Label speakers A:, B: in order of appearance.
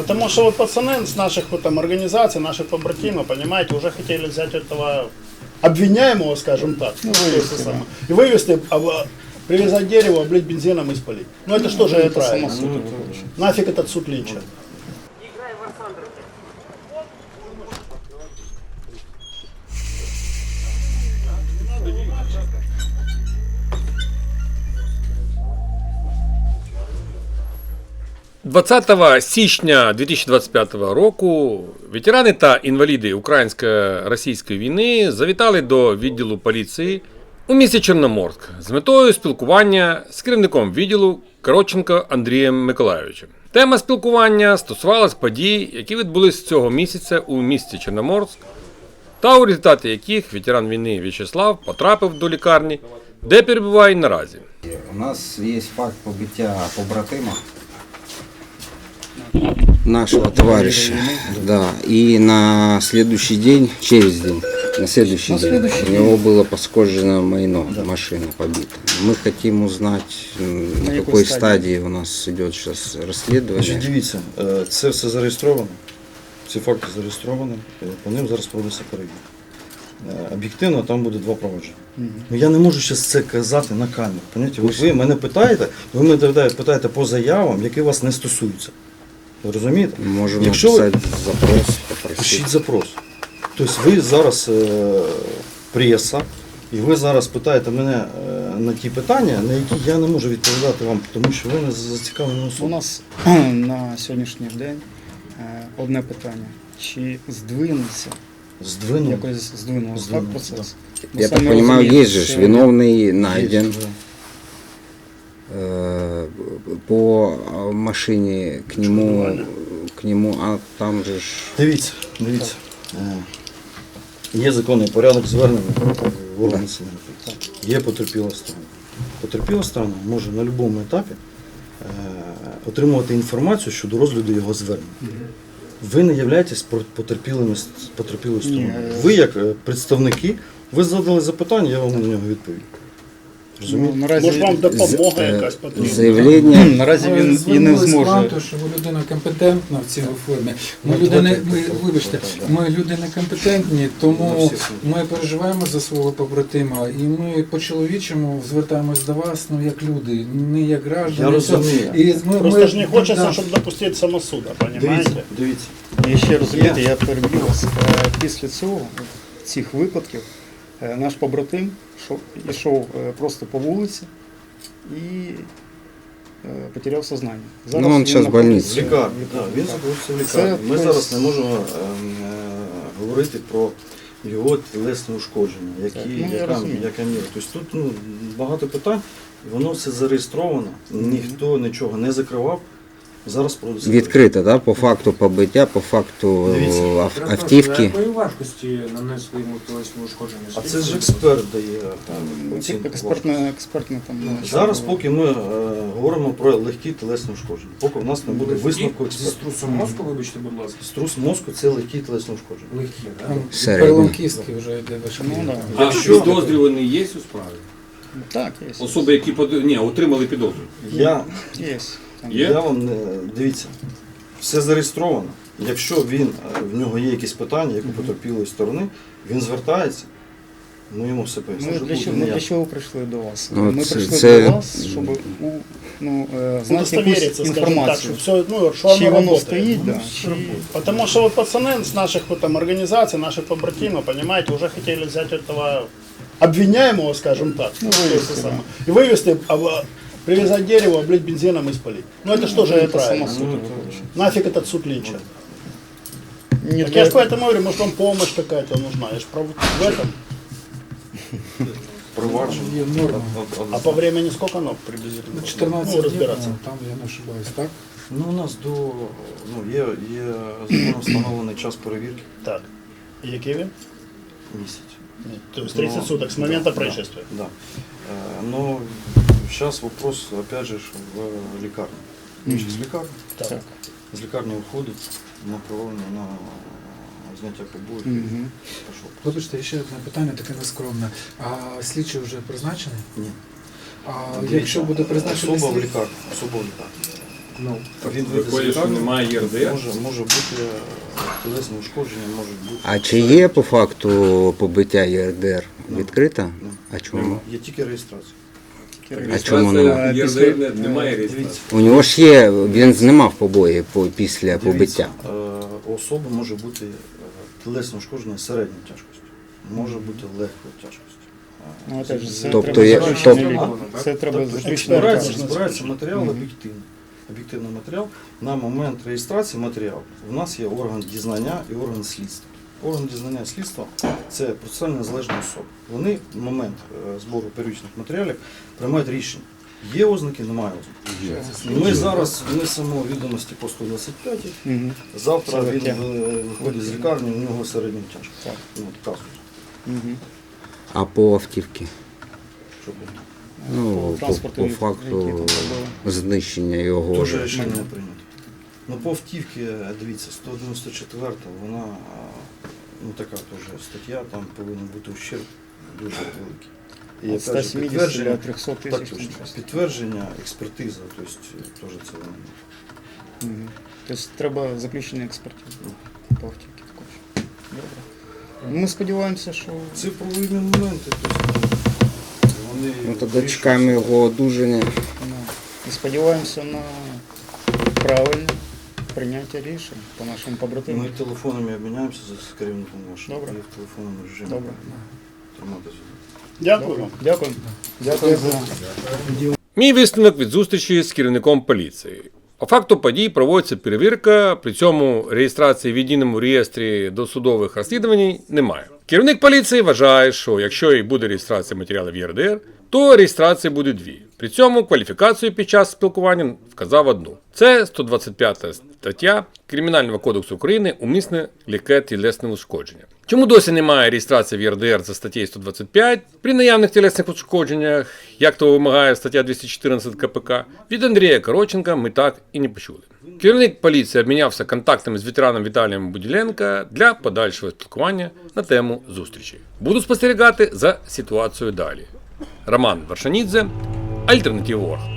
A: Потому что вот пацаны с наших вот там организаций, наших побратимов, понимаете, уже хотели взять этого обвиняемого, скажем так, и вывести, привязать дерево, облить бензином и спалить. Ну это что же это правильно? Нафиг этот суд Линча?
B: – 20 січня 2025 року ветерани та інваліди українсько-російської війни завітали до відділу поліції у місті Чорноморськ з метою спілкування з керівником відділу Коротченко Андрієм Миколайовичем. Тема спілкування стосувалась подій, які відбулись цього місяця у місті Чорноморськ, та у результаті яких ветеран війни В'ячеслав потрапив до лікарні, де перебуває наразі.
C: У нас є факт побиття побратима нашего товарища. Да. И на следующий день, через день, на следующий день у него было пошкоджено майно, машина побита. Мы хотим узнать, на какой стадии у нас идет сейчас расследование.
D: Дивіться, це все зареєстровано, ці факти зареєстровані, по ним зараз проводиться перевірка. Об'єктивно там буде два провадження. Ну, я не можу зараз це казати на камеру. Ви мене питаєте, ви мене питаєте по заявам, які вас не стосуються. Ви розумієте?
C: Можемо
D: Якщо
C: написати запрос, попросити.
D: Пишіть запрос. Тобто ви зараз преса, і ви зараз питаєте мене на ті питання, на які я не можу відповідати вам, тому що ви не зацікавлені особи.
E: У нас на сьогоднішній день одне питання. Чи здвинеться, якось здвинулося так процес?
C: Я так понимаю, есть же виновный найден. По машине к нему, а там же ж...
D: Дивіться. Є законний порядок звернення в органи національної поліції. Є потерпіла сторона. Потерпіла сторона може на будь-якому етапі отримувати інформацію щодо розгляду його звернення. Ви не являєтесь потерпілою стороною. Ви як представники, ви задали запитання, я вам на нього відповім.
A: Може вам допомога якась потрібна?
C: Заявлення.
E: Наразі він і не зможе.
F: Що ви людина компетентна в цій формі. Ми люди некомпетентні, тому ми переживаємо за свого побратима і ми по-чоловічому звертаємось до вас, ну як люди, не як граждані.
D: Я розумію.
F: І
A: Просто ж не хочеться, щоб допустити самосуда, розумієте?
D: Дивіться.
E: І ще розумієте, я переб'ю вас. Після цих випадків, наш побратим йшов просто по вулиці і потеряв сознання.
C: Ну, він зараз в больниці.
D: В лікарні. Він знаходиться в лікарні. Ми зараз не можемо говорити про його тілесне ушкодження, яка міра. Тобто тут багато питань, воно все зареєстровано, ніхто нічого не закривав. Зараз проводиться.
C: Відкрито, да? По факту побиття, по факту автівки.
G: Якої важкості нанесли йому тілесні ушкодження?
D: А це ж експерт дає оцінку.
E: Експертне там.
D: Зараз поки ми говоримо про легкі тілесні ушкодження. Поки в нас не буде висновку
G: Зі
D: експерта.
G: струсом мозку, вибачте, будь ласка.
D: Струс мозку – це легкі тілесні ушкодження.
G: Легкі, так?
C: Середній.
F: Перелом кістки вже йде вище.
B: А підозрюваний є у справі?
E: Так, є.
B: Особи, які отримали підозру?
E: Є.
D: Я вам дивіться, все зареєстровано. Якщо в нього є якісь питання, як у потерпілої сторони, він звертається, ми йому все пояснимо.
E: Ми для чого прийшли до вас?
C: Ну,
E: Ми
C: це-
E: прийшли
C: це-
E: до вас, щоб знати
A: Удостовериться,
E: якусь
A: скажем так,
E: інформацію.
A: что все, что
E: Чи
A: оно
E: воно
A: работает.
E: стоїть, да,
A: Потому что вот пацаны с наших вот там организаций, наших побратимов, понимаете, уже хотели взять этого обвиняемого, скажем так, и вывести, привязать дерево, облить бензином и спалить. Ну это что же это правильно? Нафиг этот суд Линча? Так я же поэтому говорю, может вам помощь какая-то нужна, я же в этом.
D: Провадження.
F: Є норма.
A: А по времени сколько оно приблизительно?
F: 14
A: Ну,
F: днів,
A: разбираться.
F: там я не ошибаюсь, так?
D: Ну, у нас є законом встановлений час перевірки
A: Так. И який він?
D: місяць.
A: То есть 30 суток с момента происшествия.
D: Да. Но сейчас вопрос, опять же, в лікарні. Він ж з лікарні.
A: Так.
D: З лікарні виходить, направлення на зняття побоїв. Пішов.
F: Вибачте, ще одне питання, таке нескромне. А слідчий вже призначений?
D: Ні.
F: А якщо буде призначений
D: особа в
F: слідчий?
D: лікарні. Особа в лікарні.
G: Ну,
D: Він вийде з
B: Виходить, що
D: лікарні,
B: немає ЄРДР?
D: може бути тілесні ушкодження, можуть бути.
C: А чи є по факту побиття ЄРДР відкрита?
D: Ну,
C: А чому?
D: Є тільки реєстрація.
C: А чому немає?
B: ЄРДР немає реєстрації.
D: Дивіться,
C: У нього ж є, він знімав побої після побиття.
D: у особи може бути тілесне ушкодження середньої тяжкості, може бути легкої тяжкості.
E: Ну, опять же, це
C: Тобто
E: треба
C: є-
E: заключений
C: тобто-
E: лікар. Це треба заключений
A: Експерт.
E: лікар.
D: Збирається матеріал об'єктивний матеріал. На момент реєстрації матеріалу у нас є орган дізнання і орган слідства. Орган дізнання і слідства – це процесуально незалежні особи. Вони в момент збору первічних матеріалів приймають рішення. Є ознаки, немає ознак. Ми зараз внесемо відомості по 125.
E: Мгм.
D: Завтра
E: Це
D: він
E: таке.
D: виходить з лікарні, у нього середня тяжкість.
E: Так.
D: Ну, от казус.
E: Мгм.
C: А по автівці?
D: Що буде?
C: Ну,
E: По
C: по
E: транспорту, який
C: факту
E: там були.
C: знищення його.
D: Дуже рішення не прийнято. Ну, по автівці, дивіться, 194 вона ну, така теж стаття, там повинен бути ущерб дуже великий. І
E: От
D: опять же,
E: 170 до 300
D: так,
E: тисяч.
D: точно,
E: там щось.
D: підтвердження, експертиза, тобто теж це вони.
E: Мгм. Тобто треба заключення експертизи по автівці також. Добре. Ми сподіваємося, що
D: Це правові моменти, тобто вони
C: Ну тоді
D: вирішують
C: чекаємо його одужання.
E: ну, і сподіваємося на правильне прийняття рішень по нашим
D: Ми
E: побратимам.
D: телефонами обміняємося з керівником вашим.
E: Добре.
D: І в телефонному режимі
E: Добре.
D: тримати зв'язок.
A: Дякую вам.
E: Дякую. Дякую за
B: Мій висновок від зустрічі з керівником поліції. По факту подій проводиться перевірка, при цьому реєстрації в єдиному реєстрі досудових розслідувань немає. Керівник поліції вважає, що якщо і буде реєстрація матеріалів ЄРДР, то реєстрації буде дві. При цьому кваліфікацію під час спілкування вказав одну. Це 125 стаття Кримінального кодексу України «Умисне легке тілесне ушкодження». Чому досі немає реєстрації в ЄРДР за статтею 125 при наявних тілесних ушкодженнях, як то вимагає стаття 214 КПК, від Андрія Короченка ми так і не почули. Керівник поліції обмінявся контактами з ветераном Віталієм Буділенко для подальшого спілкування на тему зустрічі. Буду спостерігати за ситуацією далі. Роман Варшанідзе, Альтернатива.орг.